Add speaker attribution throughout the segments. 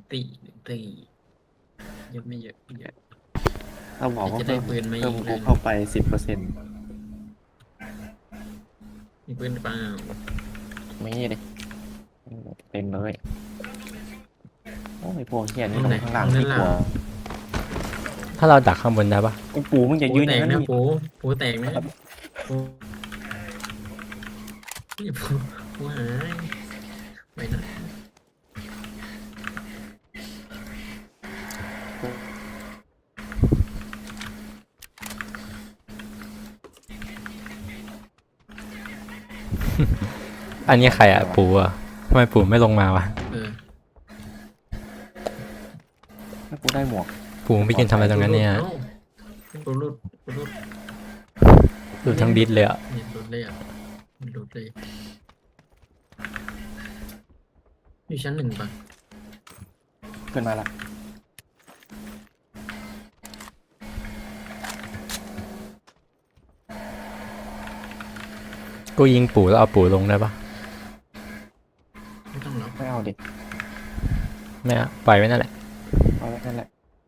Speaker 1: ตีเยอะไม่เยอะเยอะ
Speaker 2: เราบอกว่า
Speaker 1: จะได้
Speaker 2: เพิ่ม
Speaker 1: ปืนไหม
Speaker 2: เพิ่ม
Speaker 1: อีก
Speaker 2: กู
Speaker 1: นั่น
Speaker 2: เข้าไป10%
Speaker 1: มีปืนเปล่า
Speaker 2: ไม่ดิเต็มเลยโอ้ยพวกเฮีย
Speaker 1: ห้
Speaker 2: นี่
Speaker 1: อง
Speaker 2: ตร
Speaker 1: ไหน
Speaker 2: งข้างล่าง
Speaker 1: ห้องนั้
Speaker 2: ที่
Speaker 1: น
Speaker 2: ก
Speaker 1: ล่ะ
Speaker 2: ลัว
Speaker 3: ถ้าเราดักข้างบนได้ปะ
Speaker 2: ไอ้ปูมึงอย่า
Speaker 1: ปู
Speaker 2: ยืนอ
Speaker 1: แต
Speaker 2: ย่าง
Speaker 1: ก
Speaker 2: นั้น
Speaker 1: นะ
Speaker 2: ดิ
Speaker 1: ปูแตกนะปูนี่ปูหายไปไหน
Speaker 3: อันนี้ใครอ่ะปู่อ่ะทำไมปู่ไม่ลงมาวะ
Speaker 2: ถ้ากูได้หมวก
Speaker 3: ปู่ไม่กินทำอะไรตรงนั้นเนี่ย
Speaker 1: ปูรุดปูรุด
Speaker 3: ดูทั้งดิสเลยอ่ะ
Speaker 1: เนี่ยรุดเลยอ่ะรุดเลยอยู่ชั้นหนึ่งปะ
Speaker 2: ขึ้นมาละ
Speaker 3: กูยิงปู่แล้วเอาปู่ลงได้ปะ
Speaker 1: ไม่ต้องหรอก
Speaker 2: ไม่เอาดิ
Speaker 3: ไม่อะปล่อยไว้นั่นแหละ
Speaker 2: เอาไว้นั่นแหละ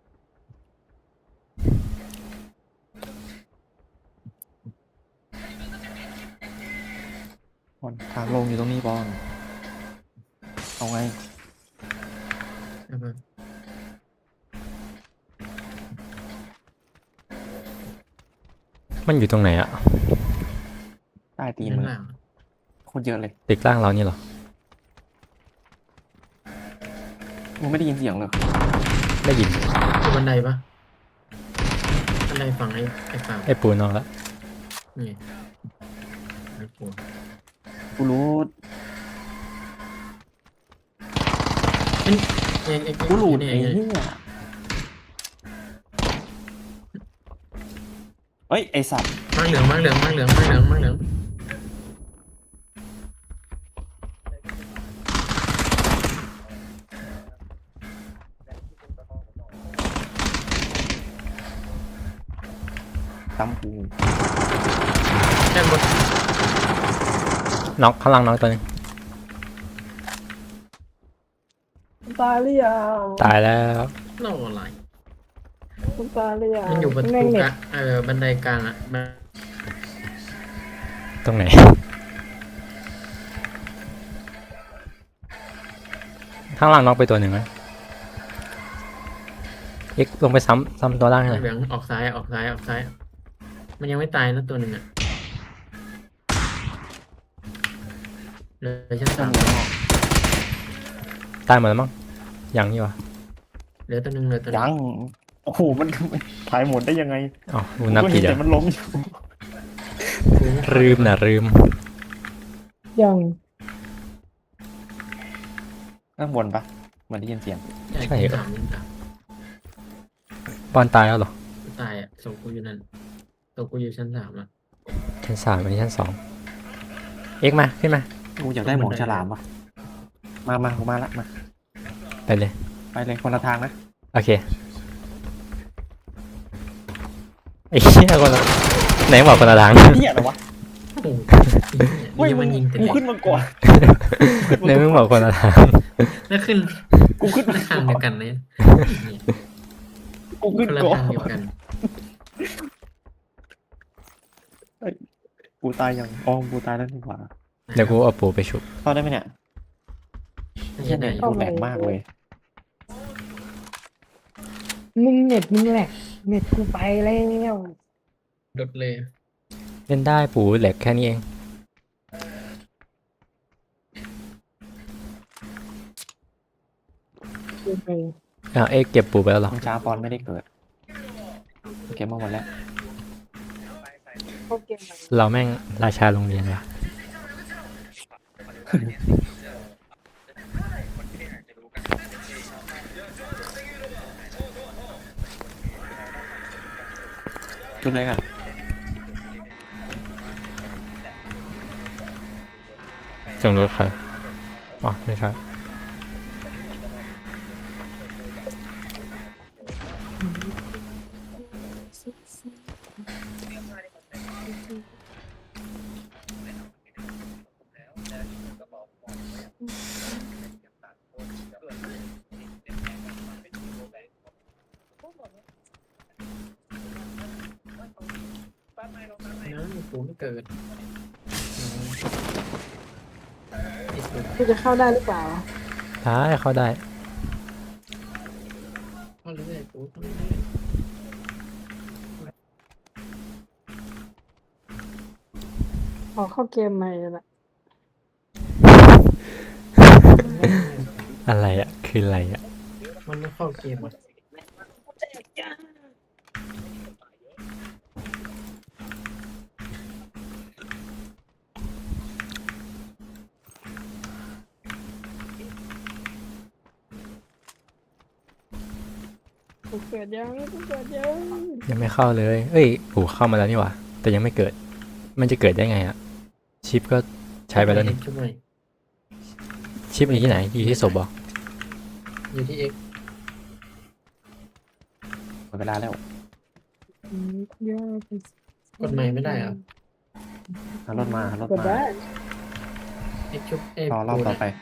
Speaker 2: บอลทางลงอยู่ตรงนี้บอลเอาไง
Speaker 1: เอาไป
Speaker 3: มันอยู่ตรงไหนอ่ะ
Speaker 2: ใต้ตีน
Speaker 1: ชั้
Speaker 2: มึ
Speaker 1: น
Speaker 2: ง
Speaker 1: ล่าง
Speaker 2: โคตรเยอะเลย
Speaker 3: ตึกล่างเรานี่เหรอ
Speaker 2: มึงไม่ได้ยินเสียงเลย
Speaker 3: ได้ยิน
Speaker 1: อยู่บันไดปะบันไดฝั่งไอ้ฝั่ง
Speaker 3: ไอ้ปู่นอนแล้ว
Speaker 1: นี่ไอ้ปู
Speaker 2: กูรู้
Speaker 1: ไอ้
Speaker 2: กูหลุด
Speaker 1: เนี่ย
Speaker 2: ไอ้เหี้ยเฮ้ยไอสัตว์
Speaker 1: มังเหลือง
Speaker 2: ตั้มกู
Speaker 1: แค่บน
Speaker 3: น็อกข้างล่างน็อกตัวนึง
Speaker 4: ตายหรือยัง
Speaker 3: ตายแล้ว
Speaker 1: เล่าอะไร
Speaker 4: คุณตายหรือยัง
Speaker 1: มันอยู่ประตู
Speaker 4: แม่ง
Speaker 1: ก
Speaker 4: เน็
Speaker 1: ลา
Speaker 4: ต
Speaker 1: งบันไดกลางอ่ะ
Speaker 3: ตรงไหน ข้างล่างน็อกไปตัวหนึ่งไหมเอ็กซ์ลงไปซ้ำตัวล่างให้หน่อย
Speaker 1: เหลืองออกซ้ายมันยังไม่ตายนะตัวหนึ่งอ่ะเลยชั้น
Speaker 2: ต้อ
Speaker 1: สาง ม
Speaker 2: มีข้างนอก
Speaker 3: ตายหมดแล้วมั้งยังนี่วะ
Speaker 1: เหลือตัวหนึ่ง
Speaker 2: ยังโอ้โหมันถ่ายหมดได้ยังไง
Speaker 3: อ๋อกูนับ
Speaker 2: กู
Speaker 3: ผิ
Speaker 2: เห็
Speaker 3: ด
Speaker 2: น
Speaker 3: อ่ะ
Speaker 2: แต่มันล้มอยู่
Speaker 3: ลืม
Speaker 4: ยัง
Speaker 2: ข้างบนปะเหมือนได้ยินเสียง
Speaker 1: ใช่ชั้นสาม
Speaker 3: บอลตายแล้วเหรอ
Speaker 1: ตายอ่ะศพกูอยู่นั่นศพกูอยู่ชั้นสามอ่ะ
Speaker 3: ชั้น3อันนี้ชั้น2เอ็กซ์มาขึ้นมา
Speaker 2: กูอยากได้หมวกฉลามปะมากูมาละมา
Speaker 3: ไปเลย
Speaker 2: ไปเลยคนละทางนะ
Speaker 3: โอเคไอ้เหี้ยคนละไหนบอกคนละทาง
Speaker 2: เหี้ยอะไรวะ
Speaker 1: โอ้โหนี่มันยิงแต่
Speaker 2: กู
Speaker 1: เด็ก
Speaker 2: ขึ้นมาก่อน
Speaker 3: ไหนมึงบอกคนละทาง
Speaker 1: แล้วขึ้น
Speaker 2: กูขึ้นมา
Speaker 1: ทาง
Speaker 2: ก่
Speaker 1: เดี
Speaker 2: อ
Speaker 1: ยวน กันเลย
Speaker 2: กูขึ้น
Speaker 1: คนละ
Speaker 2: ก่อน
Speaker 1: ทางเดียวกัน
Speaker 2: กูตายยังอ๋อกูตายแล้วนี่หว่า
Speaker 3: เดี๋ยวกูเอาปูไปชุบ
Speaker 2: เข้าได้ไหมเนี่ยเหี้ยเน็ตกูแหลกมากเลย
Speaker 4: มึงเน็ตมึงแหลกเน็ตกูไปแล้ว
Speaker 1: ดดเลย
Speaker 3: เล่นได้ปูแหลกแค่นี้เอง
Speaker 4: กูไป
Speaker 3: เอ็กซ์เก็บปูไปแล้วเหรอ
Speaker 2: มึงช้าปอนไม่ได้เกิดเก็บมาหมดแล้ว
Speaker 4: เข้าเกมใหม่
Speaker 3: เราแม่งราชาโรงเรียนว่ะ
Speaker 2: จุดเลยกัน
Speaker 3: จังรถใครอ๋อไม่ใช่
Speaker 1: กูไม่เกิดติดเลย
Speaker 4: กูจะเข้าได้หรือเปล่า
Speaker 3: ได้เข้าได้
Speaker 1: เข้าเรื่อยๆกูเข้าเรื่อย
Speaker 4: ขอเข้าเกมใหม่เลยละ
Speaker 1: ๆ
Speaker 3: อะไรอ่ะคืออะไรอ่ะ
Speaker 1: มันไม่เข้าเกมอ่ะ
Speaker 4: กูเกิดยังกูเกิดยัง
Speaker 3: ยังไม่เข้าเลยเอ้ยโอ้เข้ามาแล้วนี่หว่าแต่ยังไม่เกิด มันจะเกิดได้ไงอ่ะชิปก็ใช้ไปแล้วนี่
Speaker 1: ช่วยหน่อย
Speaker 3: ชิปอยู่ที่ไหนอยู่ที่ศพบอก
Speaker 1: อยู่ที่เอ็ก
Speaker 2: หมดเวลาแล้ว
Speaker 4: เยอะ
Speaker 1: กดใหม่ไม่ได้เหรอ
Speaker 2: หารถมาหารถ
Speaker 4: กด
Speaker 2: มา
Speaker 4: ได้
Speaker 1: เอ็กชุบเอ็ก
Speaker 2: รอรอบต่อไป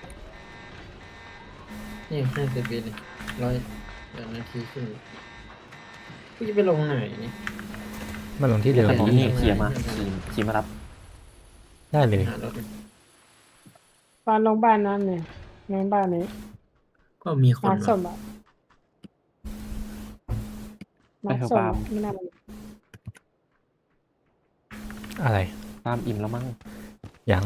Speaker 1: นี่50 ปีเลย100 นาทีครึ่งกูจะไปลงไหนนี่
Speaker 3: มาลงที่เดิม
Speaker 2: แต่นี่ขี่มาขี่มารับ
Speaker 3: ได้เลย
Speaker 1: หารถ
Speaker 4: บ้านลงบ้านนั้นเนี่ยน้องบ้านนี้
Speaker 1: ก็มีคน
Speaker 4: มาร์คส
Speaker 1: ว่ะ
Speaker 4: มบัติมาร์คสมบัติไม่น่าเลย
Speaker 3: อะไร
Speaker 2: ตามอิ่มแล้วมั้ง
Speaker 3: ยัง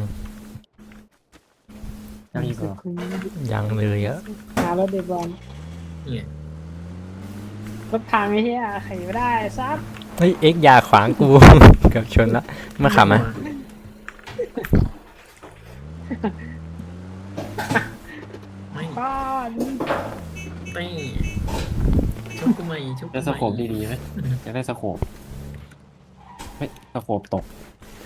Speaker 2: ยังอีกเหรอ
Speaker 3: ยังเลยอะ
Speaker 4: หารถเดบอล
Speaker 1: เนี่ย
Speaker 4: รถพังไอ้เหี้ยไขไม่ได้ซับ
Speaker 3: เฮ้ยเอ็กอยาขวางกู เกือบชนละมาขับมา
Speaker 1: ไม่
Speaker 4: ก้อน
Speaker 1: ไม่ชุบกูใหม่ชุบกู
Speaker 2: ได้
Speaker 1: ให
Speaker 2: ส
Speaker 1: ม่
Speaker 2: โคปดีๆไหมจะได้สโคปเฮ้ยสโคปตก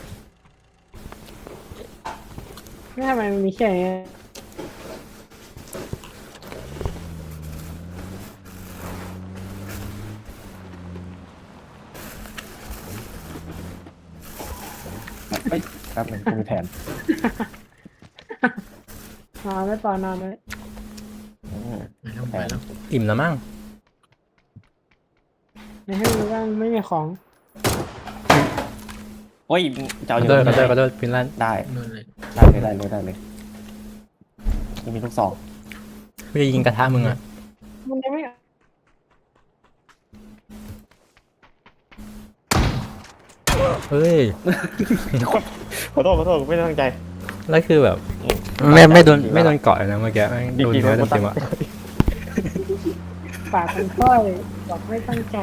Speaker 4: ไม่ทำไมมันมีแค่นี้
Speaker 2: เฮ้ยแป๊บหนึงกูมีแผน
Speaker 4: นอนไม่ปอนอนเลย
Speaker 2: อืม
Speaker 1: ไปแล้ว
Speaker 3: อิ่มแล้วมั้ง
Speaker 4: ในให้รู้ว่าไม่มีของ
Speaker 2: โอ้ยจะ
Speaker 3: ข
Speaker 2: เอา
Speaker 3: อ
Speaker 2: อยู่
Speaker 3: โทษขอ
Speaker 2: ไห
Speaker 3: โทษขอ
Speaker 2: น
Speaker 3: โทษพินลัน
Speaker 2: ได้
Speaker 1: โดนเลย
Speaker 2: ได้เลยจะมีลูกศร
Speaker 3: กูจะยิงกระทะมึงอ่ะ
Speaker 4: มันยังไม่
Speaker 3: เฮ้ย
Speaker 2: ขอโทษไม่ได้ตั้งใจ
Speaker 3: แล้วคือแบบ
Speaker 2: อืม
Speaker 3: ไม่โดนเกาะเลยนะเมื่อกี้แม่งโดนเนื้อเต็มๆอ่ะ
Speaker 4: ปากมันค่อยบอกไม่ตั้งใจ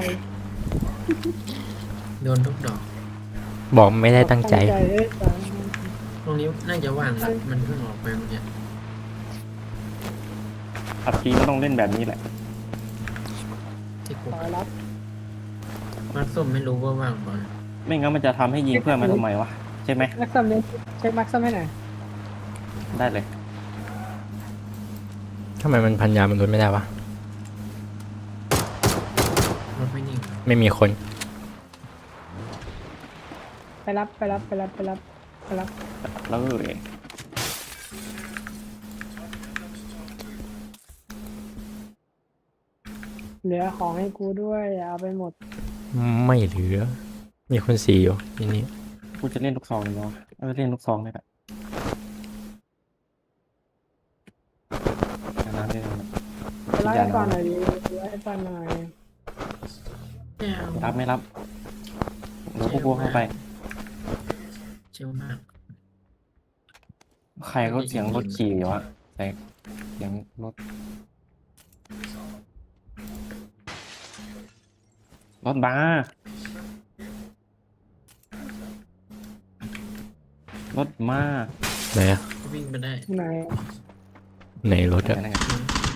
Speaker 1: โดนทุกดอก
Speaker 3: บอกไม่ได้ตั้งใจ
Speaker 4: เอ้ยตาย
Speaker 1: ตรงนี้น่าจะว่างนะมันเพิ่งออกไปเมื่อกี้
Speaker 2: ขับทีก็ต้องเล่นแบบนี้แหละ
Speaker 1: ที่กู
Speaker 4: ขอรับ
Speaker 1: มาร์คส้มไม่รู้ว่าว่างป่ะ
Speaker 2: ไม่งั้นมันจะทำให้ยิงเพื่อนมาทำไมวะใช่ไหม
Speaker 4: มักซัมเนี่ยเช็คมักซัมให้หน่อย
Speaker 2: ได้เลย
Speaker 3: ทำไมมันพันยามันลดไม่ได้วะ
Speaker 1: รถไม่นิ่ง
Speaker 3: ไม่มีคน
Speaker 4: ไปรับ
Speaker 2: แล้วเลย
Speaker 4: เหลือของให้กูด้วยอย่าเอาไปหมด
Speaker 3: ไม่เหลือ มีคนสี่อยู่ที่นี่
Speaker 2: กูจะเล่นลูกซองเลยเนาะเล่นลูกซองได้แหละน้ำได้เลย
Speaker 4: ไปรับให้ก่อนหน่อยดิรับให้ก่อนหน่อย
Speaker 1: ไม่เอา
Speaker 2: รับไม่รับเดี๋ยวพวกเข้าไป
Speaker 1: เชี่ยวมาก
Speaker 2: ใครก็เสียงรถขี่อยู่อะแต่เสียงรถบัสรถมา
Speaker 3: ไหนอะ
Speaker 1: วิ่งไปได้
Speaker 4: ไหน
Speaker 3: ไหนรถอะ
Speaker 2: ไหนๆ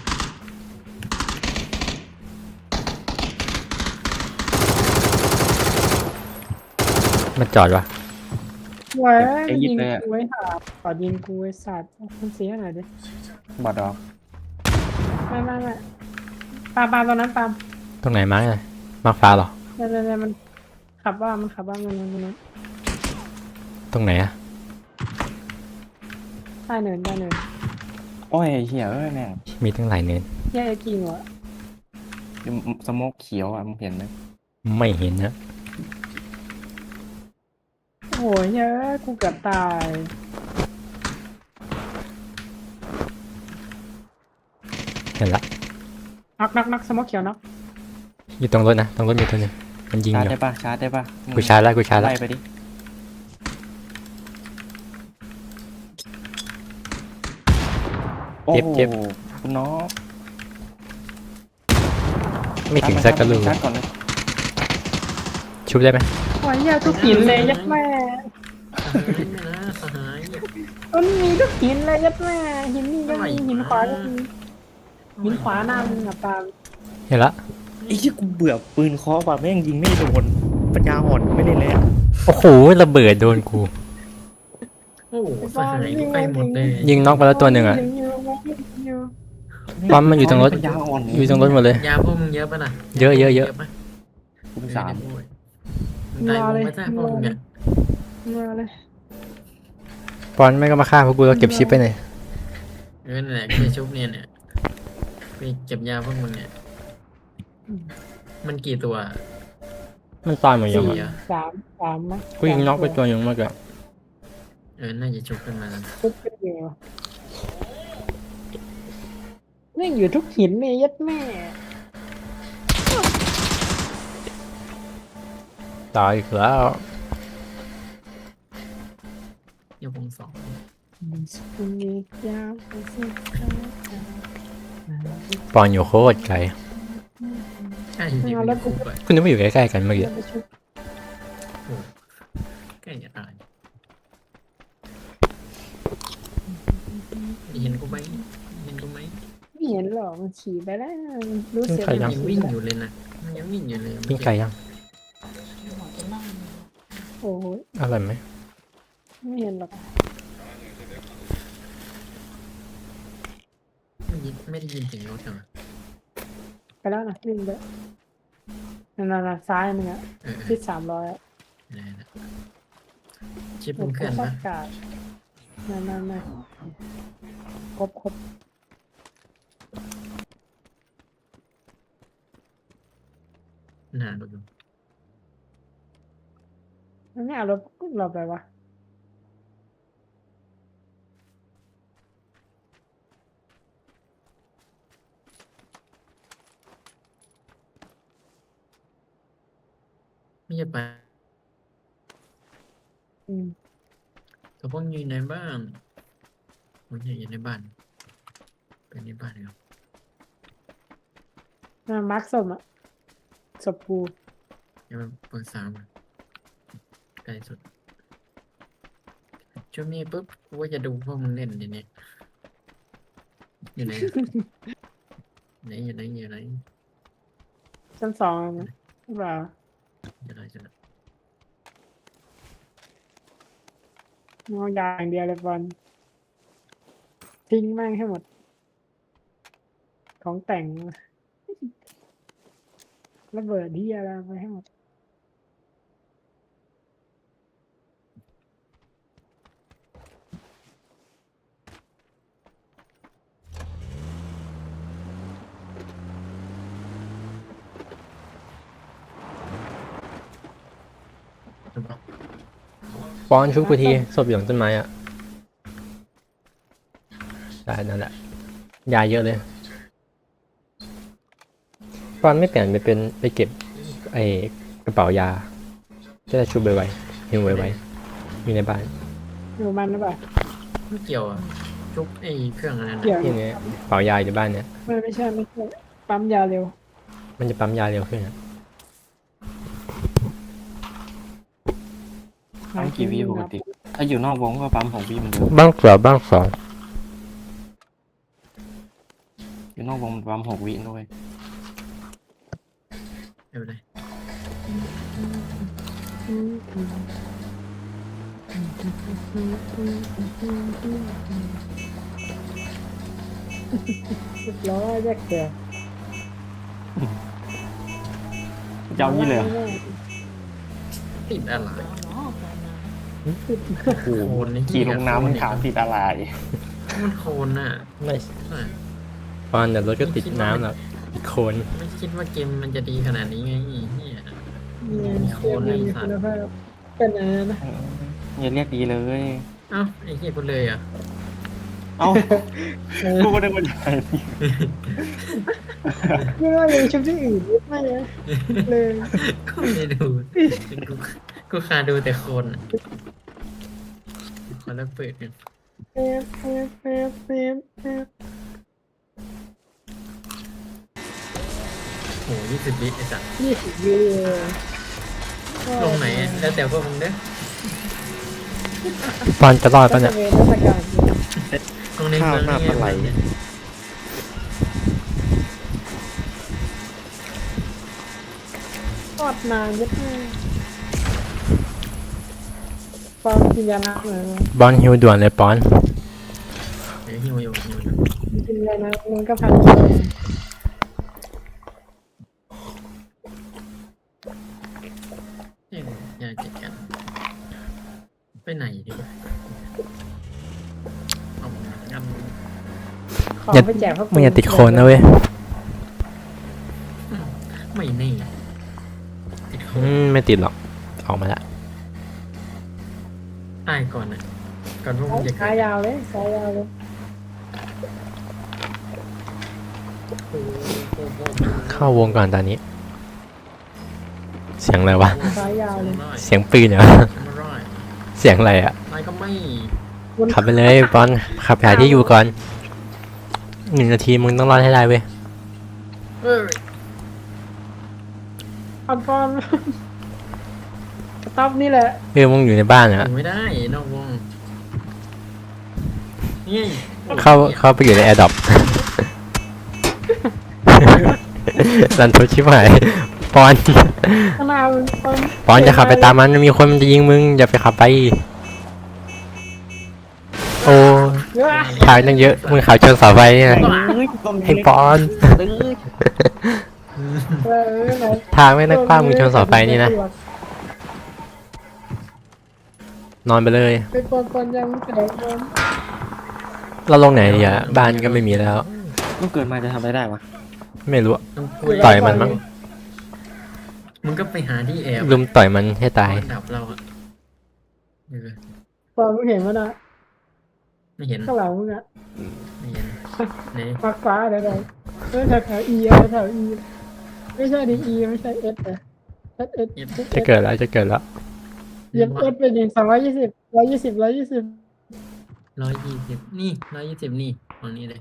Speaker 3: มันจอดวะ
Speaker 4: เว้ย
Speaker 2: ไอ้ยิ
Speaker 4: ยิ
Speaker 2: บ
Speaker 4: ง
Speaker 2: เลยอะ
Speaker 4: กูไว้ค่ะขอยิงกูไว้สัตว์มันเสียหน่อยดิ
Speaker 2: บอดดอก
Speaker 4: ไม่ปาล์มตอนนั้นปาล์ม
Speaker 3: ตรงไหนมาร์กเลยมาร์กฟ้าเหรอ
Speaker 4: เนี่ยมันขับว่ามัน
Speaker 3: ตรงไหนอะ
Speaker 4: ใต้เนิน
Speaker 2: โอ้ยเหี้ยแม่ง
Speaker 3: มีตั้งหลายเนิน
Speaker 4: แย่จริงวะ
Speaker 2: สโมกเขียวอ่ะมึงเห็นไหม
Speaker 3: ไม่เห็นนะ
Speaker 4: โอ้ยเยอะกูเกือบตาย
Speaker 3: เห็นละ
Speaker 4: นักสมอเขียวนัก
Speaker 3: อยู่ตรงรถนะตรงรถมีตัวหนึงมันยิง
Speaker 2: ชา
Speaker 3: อ
Speaker 2: ร์จ
Speaker 3: ยู่
Speaker 2: ได้ปะชาร์จได้ปะ
Speaker 3: กูชาร์จแล้วกูชาร์จแล้ว
Speaker 2: ไล่ไปดิโอ้
Speaker 3: เจ็บ
Speaker 2: โห
Speaker 3: เจ็บ
Speaker 2: คุณน้อง
Speaker 3: ไม่ถึงสักกระลูก
Speaker 2: ชาร์จก่อนเลย
Speaker 3: ชุบได้ไหม
Speaker 4: โอ้ยเยอะทุกหินเลยยัดแม่
Speaker 1: สหายไม่นะสหาย
Speaker 4: มันมีทุกหินเลยยัดแม่หินนี่ก็มีหินขวาก็มีหินขวาหน้ามึงอะปาล์ม
Speaker 3: เห็นละ
Speaker 2: ไอ้ที่กูเบื่อปืนเคาะว่ะแม่งยิงไม่โดนปัญญาอ่อนไม่เล่นแล้ว
Speaker 3: โอ้โหระเบิดโดนกู
Speaker 1: โอ้โหสหายก็ไปหมดเลย
Speaker 3: ยิงน็อกไปแล้วตัวหนึ่งอ่ะ
Speaker 4: ยิงอยู่
Speaker 3: ปั๊มมันอยู่ตรงรถ
Speaker 2: ปัญญาอ่อน
Speaker 3: อยู่ตรงรถหมดเลย
Speaker 1: ยาพวกมึงเยอะป่ะน่ะ
Speaker 3: เยอะเยอะเยอะ
Speaker 1: ปะ
Speaker 2: คุณสาม
Speaker 1: มึงตายวงไม่ทราบพวกมึงเนี่ย
Speaker 4: มาเลย
Speaker 3: ปอนไม่ก็มาฆ่าพวกกูแล้วเก็บชิปไปหน่อย
Speaker 1: นั่นแหละไปชุบเนี่ยไปเก็บยาพวกมึงเนี่ยมันกี่ตัว
Speaker 3: มันตายหมดยัง
Speaker 1: สี่
Speaker 3: อะ
Speaker 1: อ่ะ
Speaker 4: สามมั้ย
Speaker 3: กูยิงน็อกไปตัวหนึงเมื่อกี้
Speaker 1: น่าจะชุบขึ้นมาแล้ว
Speaker 4: ทุกอยู่นี่อยู่ทุกหินเลยยัดแม่
Speaker 3: ตายอีกแล้ว
Speaker 1: ยกวงสอง
Speaker 3: ปอนอยู่โคตรไกล
Speaker 1: ใช่จริงๆมันคุกไป
Speaker 3: คุณนึกว่าอยู่ใกล้ๆกันเมื่อกี้
Speaker 1: ใกล้จะตายเห็นกูไหมเห็นกูไหม
Speaker 4: ไม่เห็นหรอกมันขี่ไปแล้วรู้เสีย
Speaker 1: มันยังวิ่งอยู่เลยนะมันยังวิ่งอยู่เลย
Speaker 3: ยิงไกลยัง
Speaker 4: โอ้ย
Speaker 3: อร่อยไหม
Speaker 4: ไม่เห็นหรอก
Speaker 1: ไม่ได้ยินเสียงรถเหรอ
Speaker 4: ไปแล้วนะวิ่งไปนั่นซ้ายมึงอะ
Speaker 1: เออ
Speaker 4: ที่300อะ
Speaker 1: ได้นะชิปมึงเคลื่อน
Speaker 4: ป
Speaker 1: ปะ
Speaker 4: ระกาศนั่นครบ
Speaker 1: หนาดูดู
Speaker 4: มันไม่เอารถเราไปวะ
Speaker 1: ไม่ใช่ไป
Speaker 4: อืม
Speaker 1: แต่พวกอยู่ในบ้านมันอยู่ในบ้านเป็นในบ้านครับ
Speaker 4: มาร์คศพอะศพกู
Speaker 1: ยังเปิดสามใกล้สุดช่วงนี้ปุ๊บกูว่าจะดูพวกมึงเล่นเดี๋ยวนี้อยู่ไหนอะอยู่ไหน
Speaker 4: ชั้น2นะหรือเปล่า
Speaker 1: อยู่ไหนจะไหน
Speaker 4: มองอย่างเดียวเลยบอลทิ้งแม่งให้หมด ของแต่งระเบิดที่อะไรไปให้หมด
Speaker 1: ถูกปะ
Speaker 3: ปอนชุบกูทีศพอยู่หลังต้นไม้อ่ะได้นั่นแหละยาเยอะเลยปอนไม่เปลี่ยนไปเก็บไอ้กระเป๋ายาจะได้ชุบไวๆหิวไวๆมีในบ้าน
Speaker 4: อยู่มันหรือเปล่า
Speaker 1: ไม่เกี่ยวอ่ะจุกไอ้เครื่องอะไรนะ
Speaker 4: เกี่ยว
Speaker 3: ที่นี้กระเป๋ายาอยู่บ้านเนี่ย
Speaker 4: ไม่ใช่ปั๊มยาเร็ว
Speaker 3: มันจะปั๊มยาเร็วขึ้นอะ
Speaker 2: ปั๊มกี่วิปกติถ้าอยู่นอกวงก็ปั๊ม6 วิเหมือนเดิม
Speaker 3: บ้างสองบ้างสอง
Speaker 2: อยู่นอกวงมันปั๊ม6 วิด้วย
Speaker 1: ไม่เป็นไร
Speaker 4: 100แยกเสีย
Speaker 2: เจ้านี่เลยเหรอ
Speaker 1: ติดอะไร
Speaker 2: โอ้โห
Speaker 1: โคนนี่
Speaker 2: ขี่ลงน้ำมันถามติดอะไร
Speaker 1: มันโคนน่ะ
Speaker 3: ไม่
Speaker 1: อ่ะ
Speaker 3: ปอนเดี๋ยวรถก็ติดน้ำหรอกติดโคลน
Speaker 1: ไม่คิดว่าเกมมันจะดีขนาดนี้ไงไอ้เหี้ย
Speaker 4: มีโคนมีคุณภาพเป็นอะไรนะ
Speaker 2: อย่าเรียกดีเลย
Speaker 1: เอ้าไอ้เหี้ยกูเลยอ่ะ
Speaker 2: เอ้ากูก็ได้มาจากไหน
Speaker 4: ไม่ว่ายังชุบที่อื่นไม่เลยเลย
Speaker 1: ก็ไม่ได้ดูกูกูคาดูแต่คนอะขอแล้วเปิดกัน
Speaker 4: เป๊ะเป๊ะเป๊ะเป๊ะเป๊ะ
Speaker 1: โห20 วิไอ้สัส
Speaker 4: 20 วิเลย
Speaker 1: ลงไหนอะแล้วแต่พวกมึงเด้อ
Speaker 3: ปอนจะรอด
Speaker 4: ก็
Speaker 3: ปะ
Speaker 4: จะ
Speaker 3: เนี่ย
Speaker 4: เป็นเทศกาล
Speaker 1: ลงในเมือง
Speaker 2: ข้าวหน้าปลาไหล
Speaker 1: เนี่ย
Speaker 4: ทอดนานยัดแม่ปอนกินยาน้ำเหรอบ
Speaker 3: อลฮิวด่วนเลยปอน
Speaker 1: เดี๋ยวหิวอยู่
Speaker 4: กินยาน้ำมันก็พันกิโล
Speaker 1: เนี่ยอยากจัดการไปไหนดีวะเอางาน
Speaker 4: ขอไปแจกพวก
Speaker 3: มึงอย่าติดโคนนะเว้ย
Speaker 1: ไม่แน่ติดโค
Speaker 3: ไม่ติดหรอกออกมาละ
Speaker 1: ตายก่อนนะก่อนพวกมึงจะ
Speaker 4: สายยาวเลยสายยาวเลย
Speaker 3: เข้าวงก่อนตอนนี้ เสียงอะไรวะ
Speaker 4: สายยาวเลย
Speaker 3: เสียงปืนเหรอ
Speaker 1: ไม่ร้อย
Speaker 3: เสียงอะไรอ่ะ
Speaker 1: ตายก็ไม่
Speaker 3: ขับไปเลยปอนขับไปหาที่อยู่ก่อน1 นาทีมึงต้องรอดให้ได้เว้ย
Speaker 1: เอ้ย
Speaker 4: ปอนปอนสต๊อปนี่แหละ
Speaker 3: มึงอยู่ในบ้าน
Speaker 1: อ
Speaker 3: อ่ะ
Speaker 1: ยู่ไม่ได้นอกวงนี่
Speaker 3: เข้าไปอยู่ในแอร์ดรอป รันทดชิบหายปอน
Speaker 4: ข้างหน้ามันปอน
Speaker 3: ปอนจะขับไปตามมันมีคนมันจะยิงมึงอย่าไปขับไป โอ้
Speaker 4: เยอะ
Speaker 3: ทางตั้งเยอะมึงขับชนเสาไฟเนี่ยให้ปอน
Speaker 4: ไหน
Speaker 3: ทางไม่นักกว้างมึงชนเสาไฟนี่นะนอนไปเลย
Speaker 4: ไปปอนปอนยังแตกปอน
Speaker 3: เราลงไหนดีอ่ะบ้านก็ไม่มีแล้ว
Speaker 2: ลูกเกิดมาจะทำอะไรได้วะ
Speaker 3: ไม่รู้อะ
Speaker 1: ต้องคุย
Speaker 3: ต่อยมันมั้ง
Speaker 1: มึงก็ไปหาที่แอบ
Speaker 3: ลุมต่อยมันให้ตาย
Speaker 1: ดับเราอะเออ
Speaker 4: ปอนมึงเห็นมั้ยนะ
Speaker 1: ไม่เห็น
Speaker 4: ข้างหลังมึงอะ
Speaker 1: ไม่เห็นไหน
Speaker 4: ฟ้าฟ้าเดี๋ยวแถว E แถว E ไม่ใช่ดิ E ไม่ใช่ S แต่ S
Speaker 3: จะเกิดแล้วจะเกิดแล้ว
Speaker 4: เย็บ S เป็น120 120
Speaker 1: 120นี่120นี่ตรงนี้เลย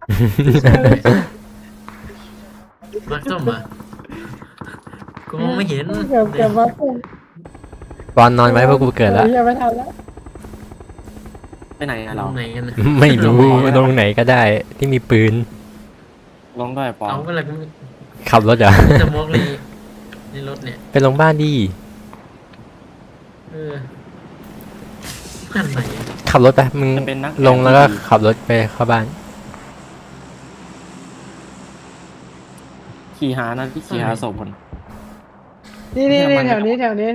Speaker 1: มักส้มอ่ะกูมองไม่เห็น
Speaker 4: เกือบว่าเ
Speaker 3: บอลนอนไว้เพราะกูเกิดแล้ว
Speaker 4: ยังไม่ทันแล้ว
Speaker 2: ไปไหนอะ
Speaker 1: ล
Speaker 2: เรา
Speaker 1: งไหนกันนะ
Speaker 3: ไม่รู้ลงไหนก็ได้ที่มีปืน
Speaker 2: ลงด้วยปอน
Speaker 1: เอาเวลากู
Speaker 3: ขับรถเหรอ
Speaker 1: จะมองเลยในรถเนี่ย
Speaker 3: ไปลงบ้านดี
Speaker 1: เออผ่านไหนอะ
Speaker 3: ขับรถไปมึง
Speaker 2: จะเป็นนัก
Speaker 3: ลงแล้วก็ขับรถไปเข้าบ้าน
Speaker 2: ขี่หานะพี่ขี่หาศพคน
Speaker 4: นี่แถวนี้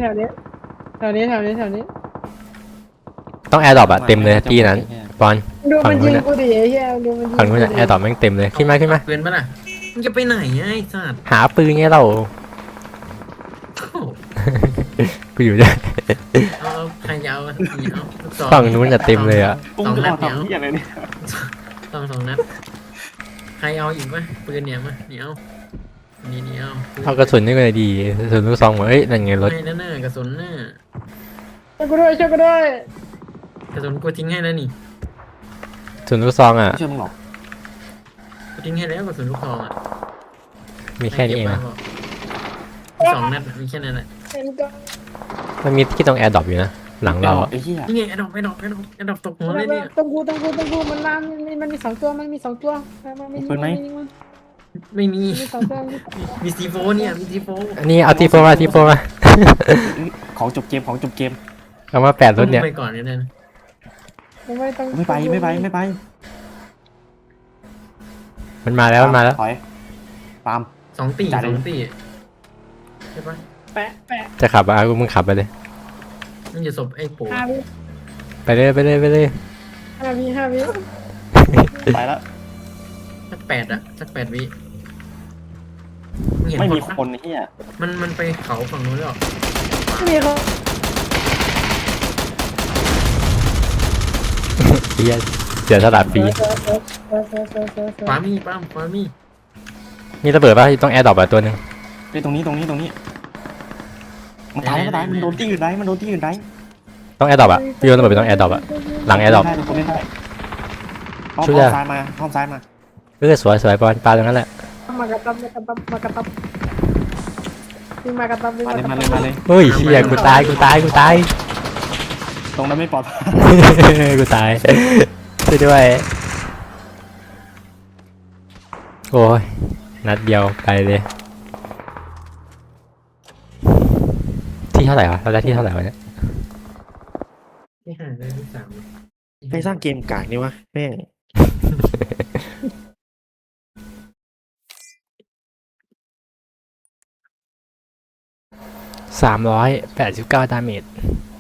Speaker 3: ต้องแอร์ดรอปอะเต็มเลยที่นั้นบอล
Speaker 4: ดูมันยิงกูดิไอ้เหี้ยดูมันยิง
Speaker 3: ฝั่งนู้นอะแอร์ดรอปแม่งเต็มเลยขึ้นมา
Speaker 1: เปืนปะล่ะมึงจะไปไหนอะไอ้สัตว์
Speaker 3: หาปืนไงเรา
Speaker 1: โอ้โห
Speaker 3: กูอยู่ด้วย
Speaker 1: เอาใครจะเอานี่เอาลูกศร
Speaker 3: ฝั่งนู้นอะเต็มเลยอะ
Speaker 2: ปุ้งจะออกทำที่อะไรเนี่ย
Speaker 1: สองนัดใครเอาอีกปะปืนเนี่ยมานี่เอานี่เอา
Speaker 3: เอากระสุนนี่ก็เลยดีกระสุนลูกซองมาเอ้ยนั่นไงรถ
Speaker 1: ให้นั่นน่ะกระสุนน่ะ
Speaker 4: ช่วยกูด้วย
Speaker 1: กระสุนกูทิ้งให้แล้วนี่
Speaker 3: กระสุนลูกซองอะ
Speaker 2: ไม่เชื่อมึงหรอก
Speaker 1: กูทิ้งให้แล้วกระสุนลูกซองอ่ะ
Speaker 3: มีแค่นี้เอง
Speaker 1: ให้
Speaker 3: อะ
Speaker 1: ก็บไว้บอก2 นัดอะมีแค่นั้นแหละ
Speaker 3: มันมีที่ตรงแอร์ดรอปอยู่นะหลังเราอะ
Speaker 2: ไอ้เหี้ย
Speaker 1: นี่ไงไอ้ดอกตกหัวเลยเนี่ย
Speaker 4: ต้องกูมันมามันมี2 ตัวมันมี2 ตัวมันมี
Speaker 1: ไม่มี
Speaker 4: 2 ตัว
Speaker 1: มีซีโฟเนี่ยมีซีโฟ
Speaker 3: อันนี้เอาทีโฟมาทีโฟมา
Speaker 2: ของจบเกมของจบเกม
Speaker 3: เอามา8 รถเนี่ย
Speaker 1: ไปก่อนเนี่ยนะ
Speaker 2: ไม่ไป
Speaker 3: มันมาแล้วมันมาแล้ว
Speaker 2: ถอยปาล์ม
Speaker 1: 2 ตี
Speaker 2: จ่ายเลย
Speaker 1: 2 ตีใช่ปะ
Speaker 4: แปะ
Speaker 3: จะขับอะมึงขับไปเลย
Speaker 1: มันจะศพไอ้โป๋
Speaker 4: 5 วิ
Speaker 3: ไปเลย
Speaker 4: 5 วิ
Speaker 2: ไปแล้ว
Speaker 1: สัก8 อะสัก8 วิงเห็น
Speaker 2: ไม่มี
Speaker 1: ปะ
Speaker 2: คนไอ้เหี้ย
Speaker 1: มันไปเขาฝั่งนู้นแล้ว
Speaker 4: ไม่มีเขา
Speaker 3: เฮียเสียสละฟรี
Speaker 1: ขวามีปั้มขวามี
Speaker 3: มีระเบิดป่ะต้องแอร์ดรอปอ่ะตัวหนึง
Speaker 2: ไปตรงนี้มันตายมันโดนที่อื่นได้
Speaker 3: ต้องแอร์ดรอปอ่ะพี่โยนระเบิดไปต้องแอร์ดรอปอ่ะหลังแอร์ดรอป
Speaker 2: ได้คนเล่นได้อ้อม
Speaker 3: ช่วยได้
Speaker 2: ซ้ายมาอ้อมซ้ายมา
Speaker 3: สวยปอนปลาตรงนั้นแหละ
Speaker 4: มากระตับวิ่งมากระตับวิ่ง
Speaker 2: มาเลย
Speaker 3: เฮ้ยเฮียกูตาย
Speaker 2: ตรงนั้นไม่ปลอดภัย
Speaker 3: กูตายช่วยด้วยโอ้ยนัดเดียวไปเลยที่เท่าไหร่วะเราได้ที่เท่าไหร่วะเนี่ย
Speaker 1: ที่ห้าได้ที่สาม
Speaker 2: ไปสร้างเกมกากนี่วะแม่ง
Speaker 3: 389 ดาเมจ